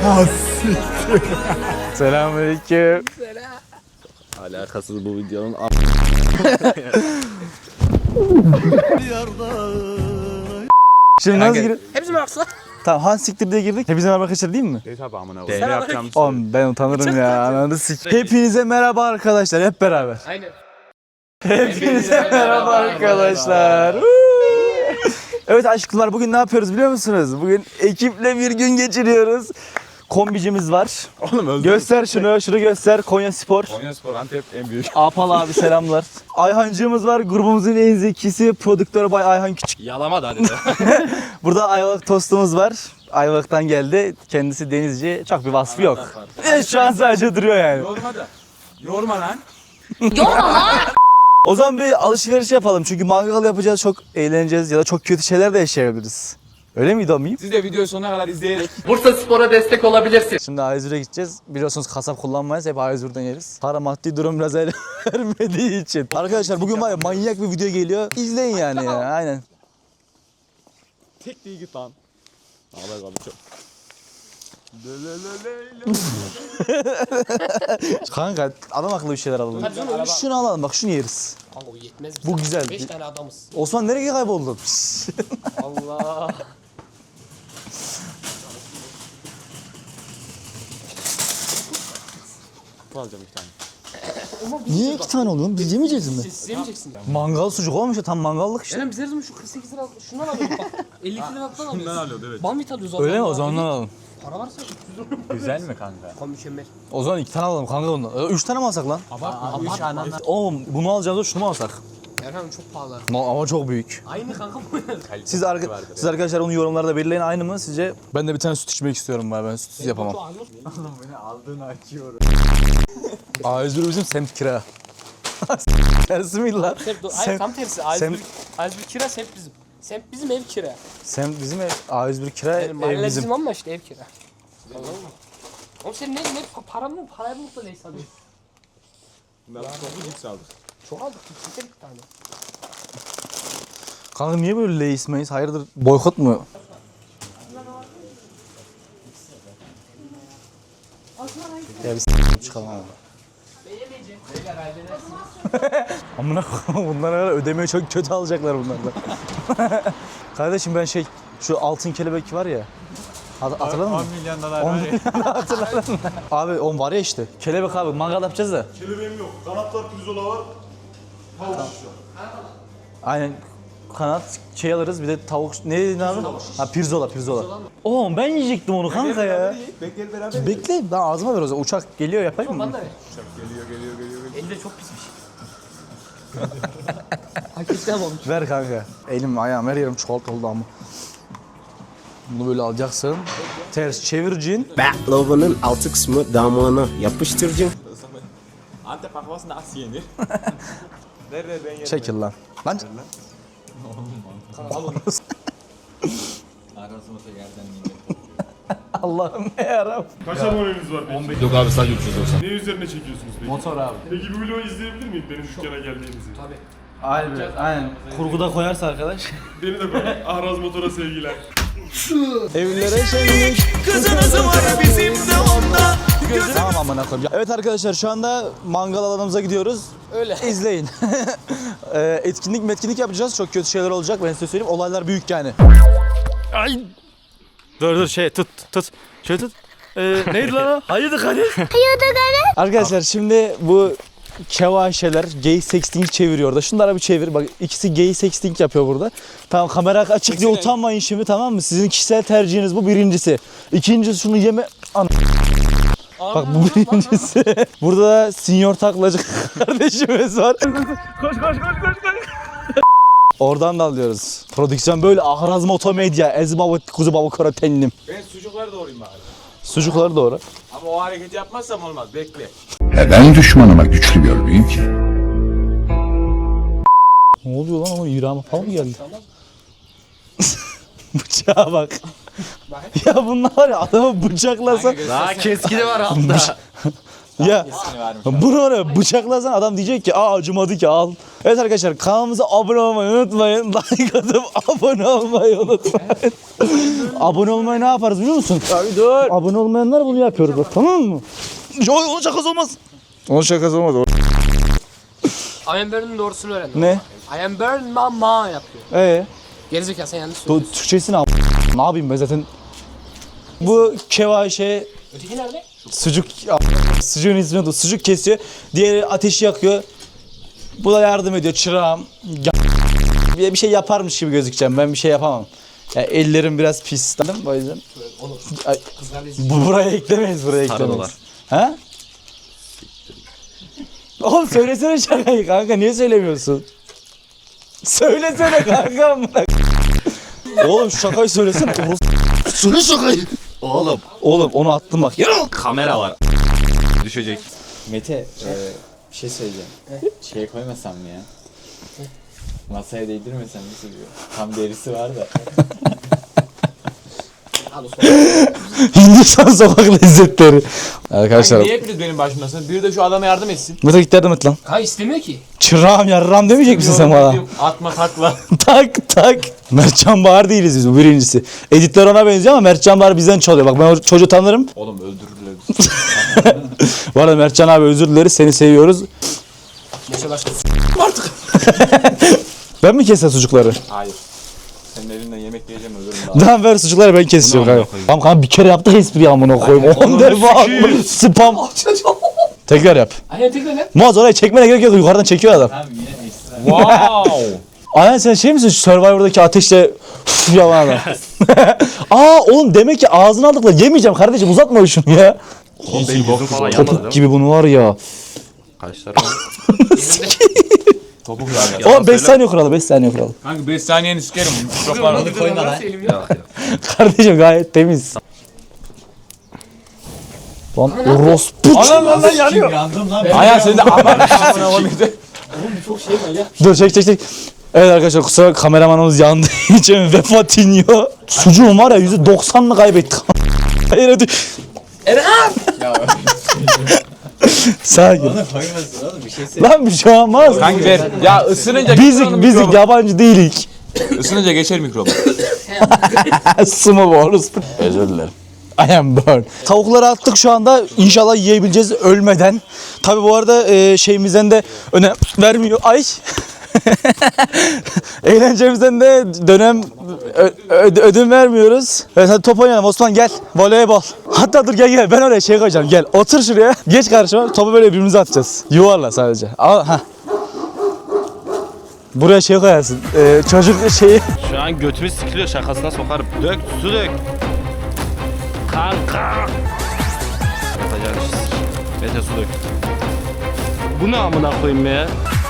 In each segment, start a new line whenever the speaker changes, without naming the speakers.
Selamünaleyküm.
Alakasız bu videonun
Şimdi nasıl girip?
Hepsi mi aksla?
Tamam Han siktir diye girdik. Hepinize merhaba arkadaşlar değil mi?
tabi amına
Sen
yapacağım.
Oğlum ben utanırım ya. Ananı sik. Hepinize merhaba arkadaşlar hep beraber.
Aynen.
Hepinize merhaba arkadaşlar. Evet aşklar bugün ne yapıyoruz biliyor musunuz? Bugün ekiple bir gün geçiriyoruz. Kombicimiz var.
Oğlum öldüm.
Göster şunu göster. Konya Spor.
Konyaspor Antep en büyük.
Apal abi selamlar. Ayhancığımız var. Grubumuzun en zekisi. Prodüktör Bay Ayhan Küçük.
Yalama da hadi.
Burada Ayvalık tostumuz var. Ayvalık'tan geldi. Kendisi denizci. Çok bir vasfı yok. Şu an sadece duruyor yani.
Yorma da. Yorma lan.
O zaman bir alışveriş yapalım. Çünkü mangal yapacağız. Çok eğleneceğiz ya da çok kötü şeyler de yaşayabiliriz. Öyle miydi o miyim?
Siz de videoyu sonuna kadar izleyerek.
Bursa Spor'a destek olabilirsin.
Şimdi A101'e gideceğiz. Biliyorsunuz kasap kullanmayız. Hep A101'den yeriz. Para maddi durum biraz el vermediği için. Arkadaşlar bugün var ya manyak bir video geliyor. İzleyin yani ya. Aynen.
Tek değil git lan. Ağlar kaldı çok.
Kanka adam akıllı bir şeyler alalım. Şunu alalım bak şunu yeriz.
Kanka o yetmez bize.
Bu güzel.
5 tane adamız.
Osman nereye kayboldun?
Allah.
Alacağım iki tane.
Niye iki tane oluyor? Biz yemeyeceğiz mi?
Siz yemeyeceksin.
Mangal sucuk olmuş ya tam mangallık işte.
Eren biz her zaman şu 48 lira şundan alıyoruz bak. 52 liradan alıyoruz.
Bundan alıyordu evet.
Banvit alıyoruz.
Öyle mi? O
Allah.
zaman ondan alalım.
Para varsa 300 lira.
Güzel mi kanka?
Kanka mükemmel.
O zaman iki tane alalım kanka ondan. Üç tane mi alsak lan?
Abartma.
Oğlum bunu alacağız da şunu mu alsak?
Erhan çok pahalı.
Ama çok büyük.
Aynı kanka bu.
Siz arkadaşlar onu yorumlarda belirleyin aynı mı sizce? Ben de bir tane süt içmek istiyorum ben sütsüz yapamam.
Aldığını açıyorum.
A101 bizim semt kira. Tersi mi lan?
Hayır tam tersi. A101 kira semt bizim. Semt bizim ev kira.
Semt bizim ev. A101 kira
Yani
ev
mahalle
bizim.
bizim ama işte ev kira. Anladın mı? Oğlum sen ne paramı mı da neyse alıyorsun.
Bunlar topu cips aldık.
Çok aldık. Kimse bir tane.
Kanka niye böyle Lay's Mays? Hayırdır boykot mu? Ya biz çıkalım abi. Amına koyayım bunlar ara ödemeyi çok kötü alacaklar bunlardan. Kardeşim ben şu altın kelebek var ya. Hatırladın mı?
10 milyon dolar
10
var ya.
milyon hatırladın mı? Abi on var ya işte. Kelebek abi mangal yapacağız da.
Kelebeğim yok. Kanatlar pirzola var. Havuç var.
Aynen kanat alırız bir de tavuk ne dedin abi? Ha pirzola. Oğlum ben yiyecektim onu kanka ya.
Bekleyelim beraber.
Bekle ben ağzıma ver o zaman. Uçak geliyor yapayım mı?
Bana da ver.
Geliyor.
Elde çok pismiş. Hak etti ama olmuş.
Ver kanka. Elim ayağım her yerim çikolata oldu ama. Bunu böyle alacaksın. Ters çevireceksin.
Baklava'nın altı kısmı damağına yapıştıracaksın.
Antep baklavası nasıl yenir? Ver ben yerim.
Çekil lan. Lan.
Arasına yerden
Allah'ım ne yarabbim.
Kaç aboneniz var peki?
Yok abi sadece 390.
Ne üzerine çekiyorsunuz peki?
Motor abi.
Peki bu videoyu izleyebilir miyim benim dükkana geldiğinizi?
Tabii.
Aynen. Kurguda koyarsa arkadaş.
Beni de koy. Ahraz Motor'a sevgiler.
Evlere şenlik. Kızınızı var bizim de onda. Tamam amına koyayım. Evet arkadaşlar şu anda mangal alanımıza gidiyoruz.
Öyle.
İzleyin. Etkinlik yapacağız. Çok kötü şeyler olacak. Ben size söyleyeyim. Olaylar büyük yani. Ay. Dur tut. Şöyle tut. Neydi lan o? Hayırdır Kadir? Arkadaşlar şimdi bu kevaşeler gay sexting çeviriyor da. Şunlara bir çevir. Bak ikisi gay sexting yapıyor burada. Tamam kamera açık diye utanmayın şimdi tamam mı? Sizin kişisel tercihiniz bu birincisi. İkincisi şunu yeme... Bak bu birincisi. Burada da senior taklacı kardeşimiz var. Koş. Oradan da alıyoruz. Prodüksiyon böyle Ahraz Motomedya, Ezbabı Kuzu Babu Karatenlim.
Ben sucukları doğrayayım bari.
Sucukları doğru.
Ama o hareketi yapmazsam olmaz. Bekle.
Ben düşmanıma güçlü görmeyeyim ki.
Ne oluyor lan ama İran'a falan mı geldi? Bıçağa bak. ya bunlar var ya adamı bıçaklasan.
Daha keskini var altta.
Ya bunu oraya bıçaklasan adam diyecek ki acımadı ki al. Evet arkadaşlar kanalımıza abone olmayı unutmayın. Like atıp abone olmayı unutmayın. Abone olmayı ne yaparız biliyor musun? Abi dur. Abone olmayanlar bunu yapıyoruz bak, tamam mı? Onun şakası olmaz. Onun şakası olmaz.
I am Burn'un doğrusunu öğrendim.
Ne?
I am Burn mama yapıyor. Gerizekalı sen yanlış söylüyorsun.
Türkçesini ne yapayım ben zaten. Bu kevaşe
Öteki nerede?
sucuğun ismi de sucuk kesiyor. Diğeri ateşi yakıyor. Bu da yardım ediyor çırağım. Bir şey yaparmış gibi gözükeceğim. Ben bir şey yapamam. Ya ellerim biraz pis. O yüzden. Ay, buraya eklemeyiz, buraya eklemeyiz. Ha? Oğlum söylesene şakayı kanka, niye söylemiyorsun? Söylesene kanka. Oğlum şu şakayı söylesene. Söyle şakayı. Oğlum onu attım bak.
Kamera var. Düşecek. Mete, bir şey söyleyeceğim. Şeye koymasam mı ya? Masaya değdirmesem nasıl diyor? Tam derisi var da.
Hindistan sokak lezzetleri. Arkadaşlar.
Niye hepiniz benim başımdasınız? Biri de şu adama yardım etsin.
Mete git yardım et lan.
Kanka istemiyor ki.
Çırağım yarram demeyecek misin sen bana?
Atma takla.
Tak. Mertcan Bahar değiliz biz, bu birincisi. Editler ona benziyor ama Mertcan Bahar bizden çalıyor. Bak ben o çocuğu tanırım.
Oğlum öldürürler bizi.
Bu arada Mertcan abi özür dileriz, seni seviyoruz.
Yaşa başka.
Artık. Ben mi keseceğim sucukları?
Hayır. Senin elinden yemek yiyeceğim ölürüm daha.
Tamam ver sucukları, ben keseceğim kanka. Tamam kanka bir kere yaptık espriyi amına koyayım. 10 defa spam. Tekrar yap.
Aynen tekrar ne?
Muaz oraya çekmene gerek yok, yukarıdan çekiyor adam.
Tamam yine ekstra. Wow.
Aynen sen şey misin, Survivor'daki ateşle yalan adam. Oğlum demek ki ağzını aldıkla yemeyeceğim kardeşim, uzatma şunu ya.
Oğlum benim yüzüm falan yanmadı
Topuk
değil mi?
gibi bunu var ya.
Kaşlarım.
Topuk yani.
Oğlum 5 saniye kuralı, 5 saniye kuralı.
Kanka 5 saniyeni sikerim. Çok var.
Onu koyma lan.
Kardeşim gayet temiz. Lan orospu.
Lan yanıyor.
Yandım lan.
Ayhan sen de aman.
Dur çek. Evet arkadaşlar kusura bakma, kameramanımız yandığı için vefat iniyor. Sucuğum var ya %90'ını kaybettik. Hayır hadi.
Erhan!
Sakin.
Koymasın oğlum bir şey söyle.
Lan bir şey olmaz.
Kanka ver. Ya ısınınca
Bizik yabancı değilik.
Isınınca geçer mikrobu.
Sıma bu orospu. Özür dilerim. I am burn. Tavukları attık şu anda. İnşallah yiyebileceğiz ölmeden. Tabi bu arada şeyimizden de önem vermiyor. Ay. Eğlencemizden de ödün vermiyoruz. Evet hadi top oynayalım Osman, gel. Voleybol. Hatta dur gel ben oraya şey koyacağım, gel. Otur şuraya. Geç karşıma. Topu böyle birbirimize atacağız. Yuvarla sadece. Al ha. Buraya şey koyarsın. Çocuk şeyi.
Şu an götümü sikiliyor, şakasına sokarım. Dök, su dök. Kanka. Yapacağın işi sik. Mete su dök. Bu ne amına koyayım ya?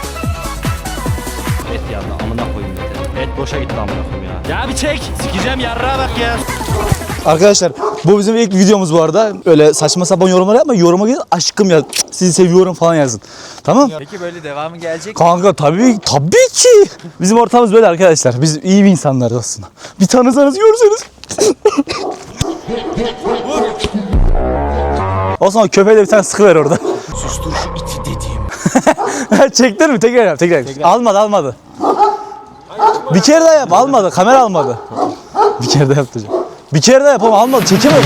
Et yandı amına koyayım Mete. Et boşa gitti amına koyayım ya. Ya bir çek. Sikeceğim yarrağa bak ya.
Arkadaşlar bu bizim ilk videomuz bu arada. Öyle saçma sapan yorumlar yapma. Yoruma gidin aşkım yaz. Sizi seviyorum falan yazın. Tamam?
Peki böyle devamı gelecek.
Kanka tabii ki. Bizim ortamımız böyle arkadaşlar. Biz iyi bir insanlarız aslında. Bir tanısanız görseniz. Osman köpeğe de bir tane sıkıver orada. Sustur şu iti dediğim. Çektin mi? Tekrar. Almadı. Bir kere daha yap. Almadı. Kamera almadı. Bir kere daha yapacağım. Bir kere daha yapalım. Almadı. Çekemedi.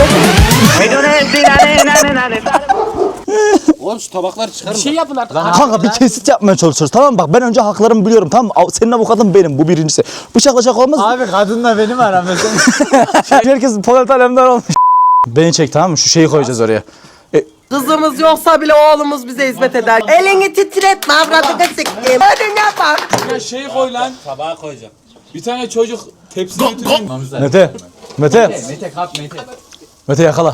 Oğlum şu tabakları çıkarın. Bir şey yapın artık.
Kanka bir kesit yapmaya çalışıyoruz, tamam mı? Bak ben önce haklarımı biliyorum, tamam mı? Senin avukatın benim, bu birincisi. Bıçakla şaka olmaz mı?
Abi kadınla benim aramda.
Herkes Polat Alemdar olmuş. Beni çek, tamam mı? Şu şeyi koyacağız oraya.
Kızımız yoksa bile oğlumuz bize hizmet eder. Elini titretme, avradını siktim. Önüne bak.
Ya şey koy lan. Tabağa koyacağım. Bir tane çocuk tepsi götürün.
Mete.
Mete kap Mete.
Mete yakala.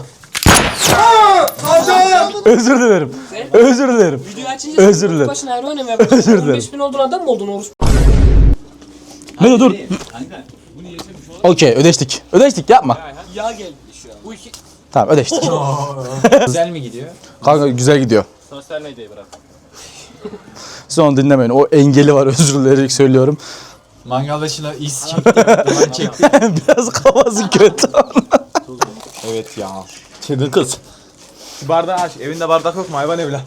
Özür dilerim.
Video açınca
Özür dilerim.
başına ayrı oynamaya
Özür dilerim.
15.000 olduğun adam mı oldun Oruz?
Mete dur. Okey ödeştik yapma.
Yağ geldi şu an. Bu iki...
Tamam ödeştik.
Güzel mi gidiyor?
Kanka güzel gidiyor.
Sosyal medyayı bırak.
Siz onu dinlemeyin. O engeli var, özür dilerim söylüyorum.
Mangal başına is çekti. Duman çekti.
Biraz kafası kötü.
Evet ya.
Çılgın kız.
Şu bardağı aç. Evinde bardak yok mu hayvan evlat?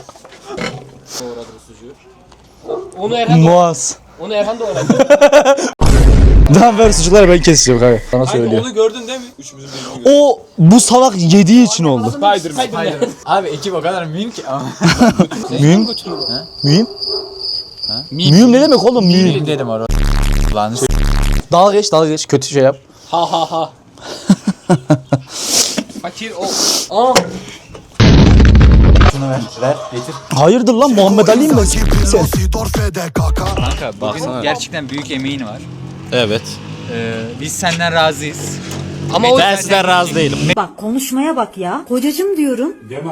Onu Erhan
Muaz.
Onu Erhan doğradı.
Tamam ver sucukları ben keseceğim kanka. Sana söylüyor.
Onu gördün değil mi? Üçümüzün birini gördük.
O bu salak yediği için oldu.
Spiderman.
Abi ekip o kadar mühim ki.
Mühim? Mühim? Mühim ne demek oğlum mühim?
Dedim orada. Lan
Dalga geç kötü şey yap.
Ha ha ha. Fakir o. Aa.
şunu ver. Ver getir.
Hayırdır lan Muhammed Ali'yim ben. Sen.
Kanka baksana. Gerçekten büyük emeğin var.
Evet.
Biz senden razıyız.
Ama o
Ben sizden razı değilim.
Bak konuşmaya bak ya. Kocacım diyorum.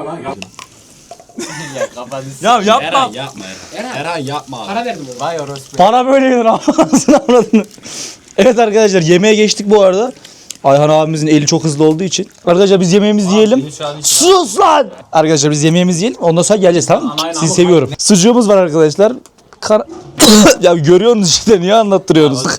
Ya yapma.
Erhan yapma.
para verdim ona.
Vay orospu.
Para böyle yenir anasını avradını. Evet arkadaşlar yemeğe geçtik bu arada. Ayhan abimizin eli çok hızlı olduğu için. Arkadaşlar biz yemeğimizi yiyelim. Sus lan! Arkadaşlar biz yemeğimizi yiyelim. Ondan sonra geleceğiz tamam mı? Sizi seviyorum. Sucuğumuz var arkadaşlar. Ya görüyorsunuz işte niye anlattırıyorsunuz?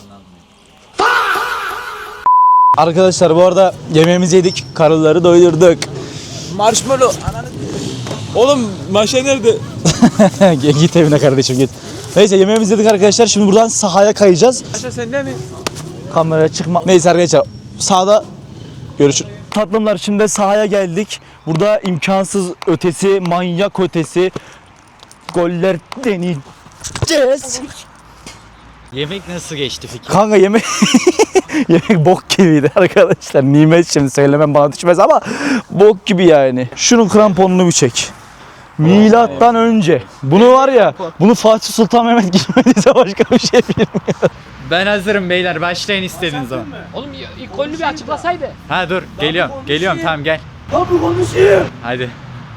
Arkadaşlar bu arada yemeğimizi yedik. Karıları doyurduk.
Marshmallow. Oğlum maşa nerede?
Git evine kardeşim git. Neyse yemeğimizi yedik arkadaşlar. Şimdi buradan sahaya kayacağız.
Maşa sende mi?
Kameraya çıkma. Neyse arkadaşlar sahada görüşürüz. Tatlımlar şimdi sahaya geldik. Burada imkansız ötesi, manyak ötesi goller deneyeceğiz.
Yemek nasıl geçti Fikri?
Kanka yemek yemek bok gibiydi arkadaşlar. Nimet şimdi söylemem bana düşmez ama bok gibi yani. Şunun kramponunu bir çek. Milattan önce. Bunu var ya, bunu Fatih Sultan Mehmet girmediyse başka bir şey bilmiyorum.
Ben hazırım beyler başlayın istediğiniz zaman.
Oğlum ilk golünü bir açıklasaydı.
Ha dur geliyorum tamam gel.
Abi konuşayım.
Hadi.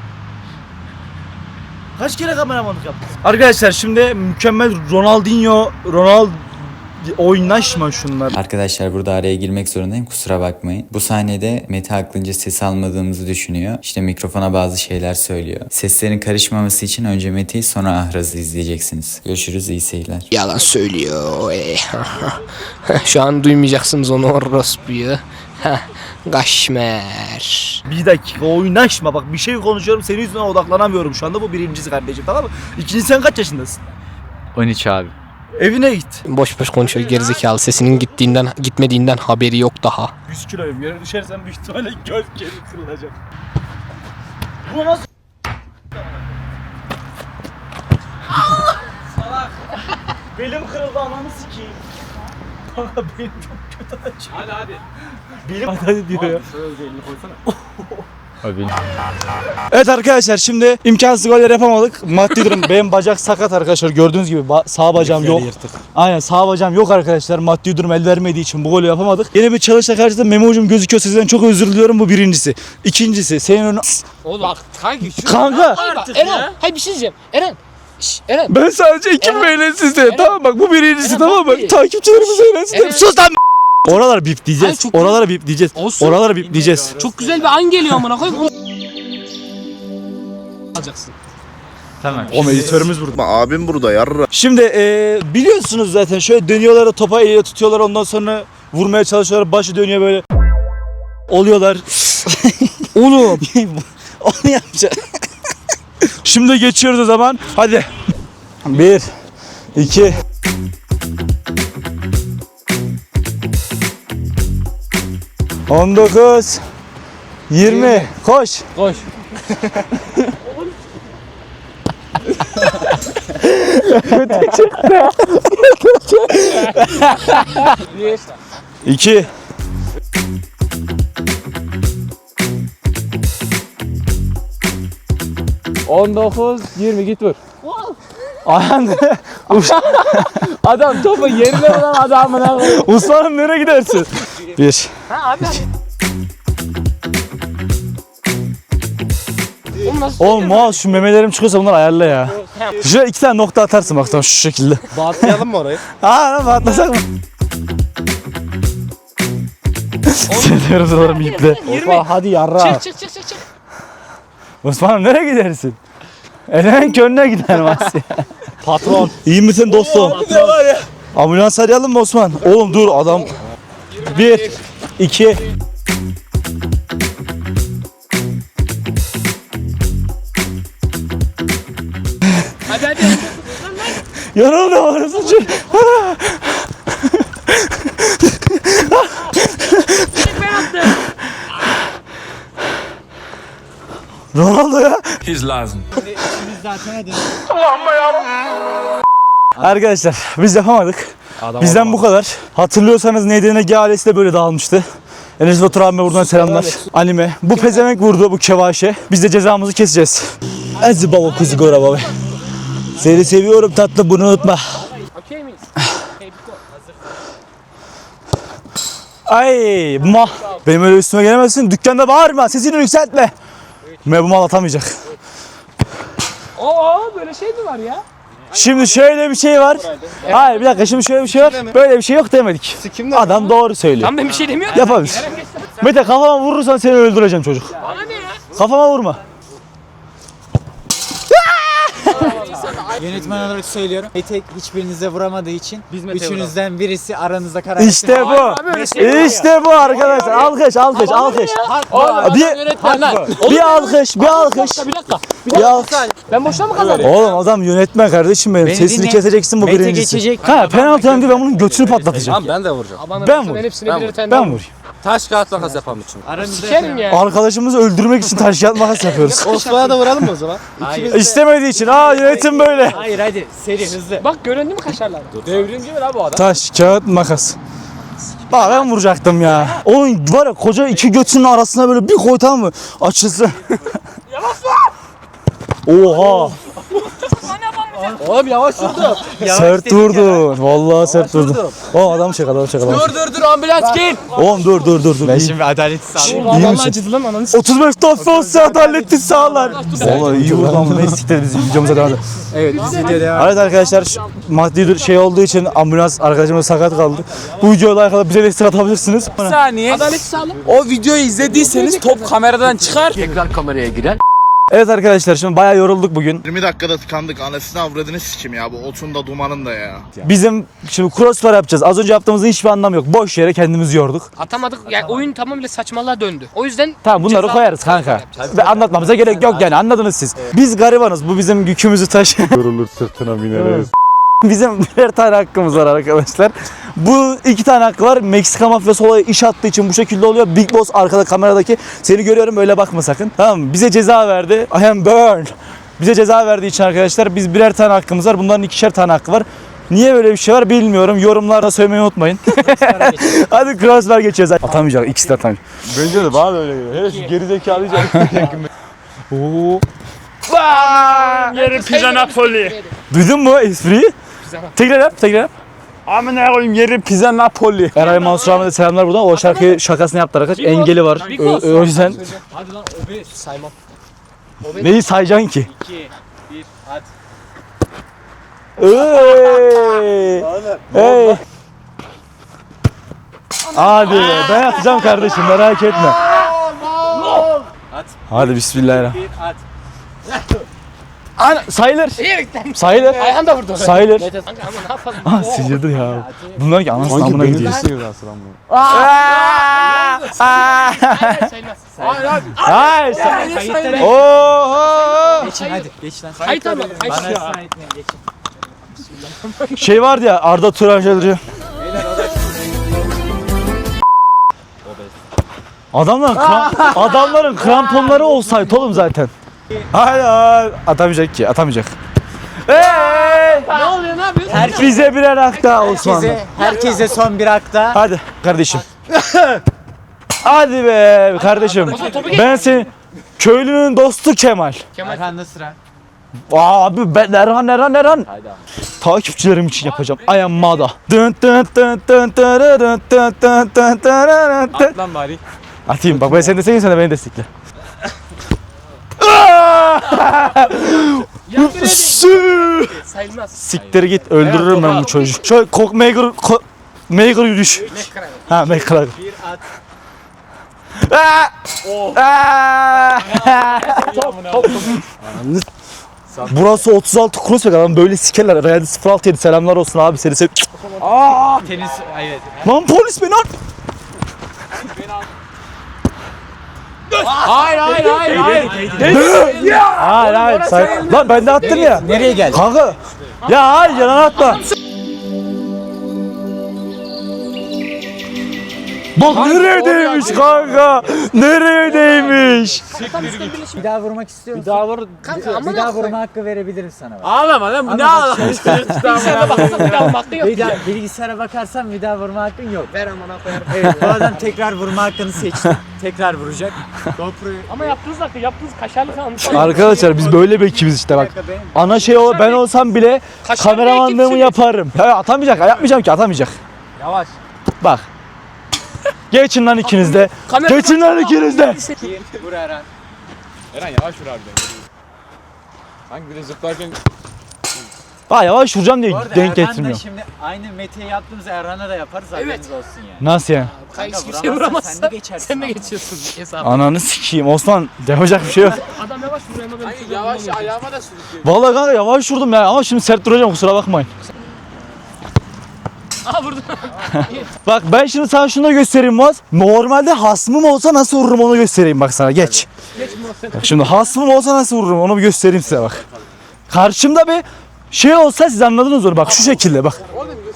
Kaç kere kameramanlık yaptın? Arkadaşlar şimdi mükemmel Ronaldinho oynaşma şunlar.
Arkadaşlar burada araya girmek zorundayım, kusura bakmayın. Bu sahnede Mete aklınca ses almadığımızı düşünüyor. İşte mikrofona bazı şeyler söylüyor. Seslerin karışmaması için önce Mete'yi sonra Ahraz'ı izleyeceksiniz. Görüşürüz, iyi seyirler.
Yalan söylüyor. Şu an duymayacaksınız onu orospuyu. Gaşmer.
Bir dakika oynaşma bak bir şey konuşuyorum senin yüzünden odaklanamıyorum şu anda bu birincisi kardeşim tamam mı? İkinci sen kaç yaşındasın?
13 abi.
Evine git.
Boş boş konuşuyor gerizekalı. Sesinin gitmediğinden haberi yok daha.
100 kiloyum yere düşersen büyük ihtimalle göz geri kırılacak. Bu nasıl? Salak. Belim kırıldı ananı sikeyim. Kanka benim çok kötü acıyor. Hadi. Belim hadi diyor ya. Evet arkadaşlar şimdi imkansız goller yapamadık. Maddi durum benim bacak sakat arkadaşlar gördüğünüz gibi sağ bacağım yok. Aynen sağ bacağım yok arkadaşlar. Maddi durum el vermediği için bu golü yapamadık. Yine bir çalışla karşısında Memo hocam gözüküyor sizden çok özür diliyorum bu birincisi. İkincisi senin önüne...
Oğlum bak
Kanka.
artık Eren, hayır bir şey diyeceğim. Eren. Eren.
Ben sadece ekip eğlensin diye tamam bak bu birincisi
Eren,
tamam
bak
bak takipçilerimiz eğlensin diye.
Eren.
Sus lan Oraları bip diyeceğiz.
Hayır, çok
Oraları bip diyeceğiz.
Olsun.
Oraları bip diyeceğiz.
Çok güzel bir an geliyor amına koyayım. Alacaksın.
Tamam.
O editörümüz burada.
Abim burada yarra.
Şimdi biliyorsunuz zaten şöyle dönüyorlar topa eliyle tutuyorlar ondan sonra vurmaya çalışıyorlar başı dönüyor böyle oluyorlar. Oğlum onu yapacağız. Şimdi geçiyoruz o zaman. Hadi. 1 2 19 20 koş.
Koş. Bir.
2
19 20 git vur.
Ayhan
Adam topu yerine vuran adamına.
Usman'ım nereye gidersin? 1
Ha abi.
Oğlum Muaz şu memelerim çıkıyorsa bunları ayarla ya. Şuraya 2 tane nokta atarsın bak tamam şu şekilde.
Bağlayalım mı orayı?
Ha atlasak mı? Seviyoruz oğlum iple. Hadi yarra.
Çık.
Osman'ım nereye gidersin? Elemen könlüne gider Masya. Patron. İyi misin dostum? Ambulans arayalım mı Osman? Oğlum dur adam. 1 2 Yanıldı orası için. Ronaldo ya.
Hiç lazım.
Arkadaşlar biz yapamadık. Bizden bu kadar. Hatırlıyorsanız NDNG ailesi de böyle dağılmıştı. Enes Batur abime buradan selamlar. Anime. Bu pezevenk vurdu bu kevaşe. Biz de cezamızı keseceğiz. Hadi baba kuzu gora baba. Seni seviyorum tatlı, bunu unutma.
Okey miyiz?
Ay ma. Benim öyle üstüme gelemezsin. Dükkanda bağırma. Sesini yükseltme. Bu mal atamayacak.
Böyle şey mi var ya?
Şimdi şöyle bir şey var. Hayır bir dakika, şimdi şöyle bir şey var. Böyle bir şey yok demedik. Adam doğru söylüyor.
Tam ben bir şey demiyorum.
Yapabilir. Mete kafama vurursan seni öldüreceğim çocuk.
Bana ne ya?
Kafama vurma.
Yönetmen olarak söylüyorum. Mete hiçbirinize vuramadığı için üçünüzden birisi aranızda karar
İşte bu. İşte bu arkadaşlar. Alkış, alkış, alkış. Bir alkış, bir alkış.
Bir dakika.
Bir alkış.
Ben boşuna mı kazandım?
Oğlum adam yönetmen kardeşim benim. Sesini
dinle.
keseceksin bu
Mete
birincisi.
geçecek.
Ha penaltı hem de ben bunun götünü patlatacağım.
Ben de vuracağım.
Ben vurayım. Ben vurayım.
Taş kağıt makas yapalım için.
Sikerim ya.
Arkadaşımızı öldürmek için taş kağıt makas yapıyoruz.
Osman'a da vuralım mı o zaman?
İstemediği için. Yönetim böyle.
Hayır hadi seri hızlı.
Bak göründü mü kaşarlar?
Devrimci mi lan bu adam?
Taş, kağıt, makas. Bak ben vuracaktım ya. Onun var ya koca iki götünün arasına böyle bir koy, tamam mı? Açılsın. Oha.
Oğlum yavaş vurdu.
Sert vurdun. Vallahi sert vurdun. O adam çek, adam çek, adam çek.
Dur ambulans gel.
Oğlum dur.
Ben şimdi adaletsiz sağlıyorum.
İyi
Vallahi
misin?
acıdı lan ananı s***.
35 top olsa adaletti sağlar. Vallahi iyi vurdu ama neyse siktir biz videomuza devam edelim.
Evet biz video devam.
Evet arkadaşlar maddi şey olduğu için ambulans arkadaşımız sakat kaldı. Bu videoyla alakalı bize destek atabilirsiniz.
Saniye.
Adalet sağlık.
O videoyu izlediyseniz top kameradan çıkar. Tekrar kameraya girer.
Evet arkadaşlar şimdi bayağı yorulduk bugün.
20 dakikada tıkandık. Anasını avradını sikim ya. Bu otun da dumanın da ya.
Bizim şimdi crossfire yapacağız. Az önce yaptığımızın hiçbir anlamı yok. Boş yere kendimizi yorduk.
Atamadık. Yani oyun tamamıyla saçmalığa döndü. O yüzden
Tamam bunları
ceza-
koyarız kanka. Ve anlatmamıza gerek yok yani, anladınız siz. Biz garibanız. Bu bizim yükümüzü taşı.
Yorulur sırtına bineriz.
Bizim birer tane hakkımız var arkadaşlar. Bu iki tane hakkı var. Meksika mafyası olaya iş attığı için bu şekilde oluyor. Big Boss arkada kameradaki. Seni görüyorum, öyle bakma sakın. Tamam mı? Bize ceza verdi. I am burn. Bize ceza verdiği için arkadaşlar biz birer tane hakkımız var. Bunların ikişer tane hakkı var. Niye böyle bir şey var bilmiyorum. Yorumlarda söylemeyi unutmayın. Hadi crossfire geçeceğiz. Atamayacak. İkisi de atamayacak.
Bence de bana da öyle geliyor. Hele şu gerizekalı
Oo.
Yeri pizza Napoli.
Duydun mu espriyi? Tekrar yap, tekrar yap.
Amına koyayım yeri pizza Napoli.
Eray Mansur Ahmet'e selamlar buradan. O şarkıyı şakasını yaptı arkadaş. Engeli var. O yüzden
Hadi lan obe saymam.
neyi sayacaksın ki?
2 1 at.
Hey. Hadi ben atacağım kardeşim, merak etme.
At.
Hadi bismillahirrahmanirrahim.
1 at.
Sayılır.
İyi
Sayılır.
Ayhan da vurdu.
Sayılır.
Kanka ama ne yapalım?
Ah sıçradı ya. Bunlar ki anasını amına gidiyor.
Sayılmaz.
Hayır.
Kayıtları.
Oho.
Geçin hadi geç lan.
Kayıt ama
Bana
kayıt ya.
ısrar etmeyin geçin.
Şey vardı ya, Arda Turan şeyleri. Adamların kramponları olsaydı oğlum zaten. Hayır. Atamayacak ki, atamayacak.
Ne oluyor, ne yapıyorsun?
Bize birer hak daha Osmanlı.
Herkese son bir hakta.
Hadi kardeşim. Hadi be kardeşim. Ben senin köylünün dostu Kemal.
Erhan'da sıra.
Abi ben Erhan. Takipçilerim için yapacağım. I am Mada.
At lan bari.
Atayım bak, ben seni destekleyeyim, sen de beni destekle.
Sayılmaz.
Siktir git, öldürürüm ben bu çocuğu. Şöyle Maker yürüyüş. Ha Maker.
1 at.
Burası 36 crossback, adam böyle sikerler. Realde 06 selamlar olsun abi, seni sev.
Tenis evet.
Lan polis beni al.
Hayır.
Hayır. Lan ben de attım ya.
Nereye geldi?
Kanka Ya hayır yalan atma. Bak nereye değmiş kanka? Nereye değmiş?
Bir daha vurmak istiyor musun?
Bir daha vur. Kanka ama
Bir daha vurma hakkı verebilirim sana. Bak.
Ağlama lan bu ne ağlama. Bilgisayara baksana bir daha hakkı yok.
Bir daha bilgisayara bakarsan bir daha vurma hakkın yok.
Ver amına koyarım.
Evet, bu adam tekrar vurma hakkını seçti. Tekrar vuracak.
Ama yaptığınız hakkı yaptığınız kaşarlı falan.
Arkadaşlar biz böyle bir ekibiz işte bak. Ana şey o ben olsam bile
Kaşar
kameramanlığımı
ekip
yaparım. Ya atamayacak, yapmayacağım ki atamayacak.
Yavaş.
Bak. Geçin lan ikiniz de.
Kamera
Geçin lan ikiniz de.
Vur Eren.
Eren yavaş vur harbiden. Hangi bir de zıplarken
Bak yavaş vuracağım diye
Bu arada
denk
Erhan da
getirmiyor.
şimdi aynı Mete'ye yaptığımız Erhan'a da yaparız haberiniz olsun yani.
Nasıl yani?
Hiçbir
Kanka,
şey vuramazsa
sen de geçersin
sen de
ama.
geçiyorsun hesabı.
Ananı sikeyim Osman yapacak bir şey yok.
Adam yavaş vuruyor ama ben şurada
yavaş
vuramıyorum.
ayağıma da sürüklüyor.
Vallahi kanka yavaş vurdum ya ama şimdi sert duracağım kusura bakmayın.
Aha vurdum.
Bak ben şimdi sana şunu da göstereyim Muaz. Normalde hasmım olsa nasıl vururum onu göstereyim bak sana geç.
Geç muhabbet.
Bak şimdi hasmım olsa nasıl vururum onu bir göstereyim size bak. Karşımda bir şey olsa siz anladınız onu bak şu şekilde bak.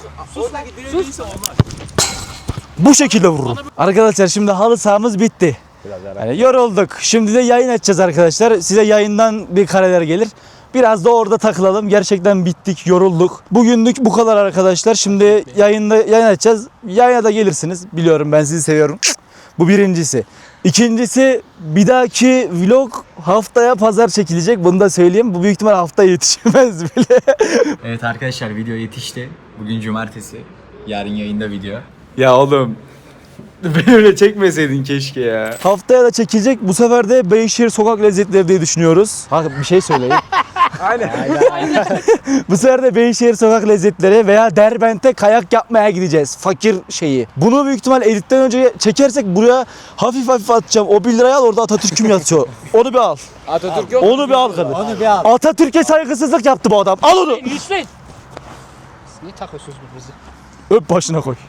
Bu şekilde vururum. Arkadaşlar şimdi halı sahamız bitti. Yani yorulduk. Şimdi de yayın açacağız arkadaşlar. Size yayından bir kareler gelir. Biraz da orada takılalım. Gerçekten bittik, yorulduk. Bugünlük bu kadar arkadaşlar. Şimdi yayın açacağız. Yayına da gelirsiniz. Biliyorum ben sizi seviyorum. Bu birincisi. İkincisi bir dahaki vlog haftaya pazar çekilecek. Bunu da söyleyeyim. Bu büyük ihtimal haftaya yetişemez bile.
Evet arkadaşlar video yetişti. Bugün cumartesi. Yarın yayında video.
Ya oğlum. Beni öyle çekmeseydin keşke ya. Haftaya da çekilecek. Bu sefer de Beyşehir sokak lezzetleri diye düşünüyoruz. Bak bir şey söyleyeyim.
Aynen.
Bu sefer de Beyşehir sokak lezzetleri veya Derbent'e kayak yapmaya gideceğiz. Fakir şeyi. Bunu büyük ihtimal editten önce çekersek buraya hafif hafif atacağım. O 1 liraya al orada Atatürk'üm yatıyor. Onu bir al.
Atatürk yok.
Onu bir al kadın.
Onu bir al.
Atatürk'e saygısızlık yaptı bu adam. Al onu.
Lütfen. Niye takıyorsunuz birbirinizi?
Öp başına koy.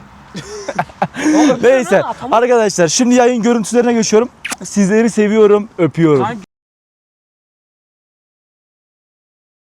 Neyse arkadaşlar şimdi yayın görüntülerine geçiyorum. Sizleri seviyorum, öpüyorum.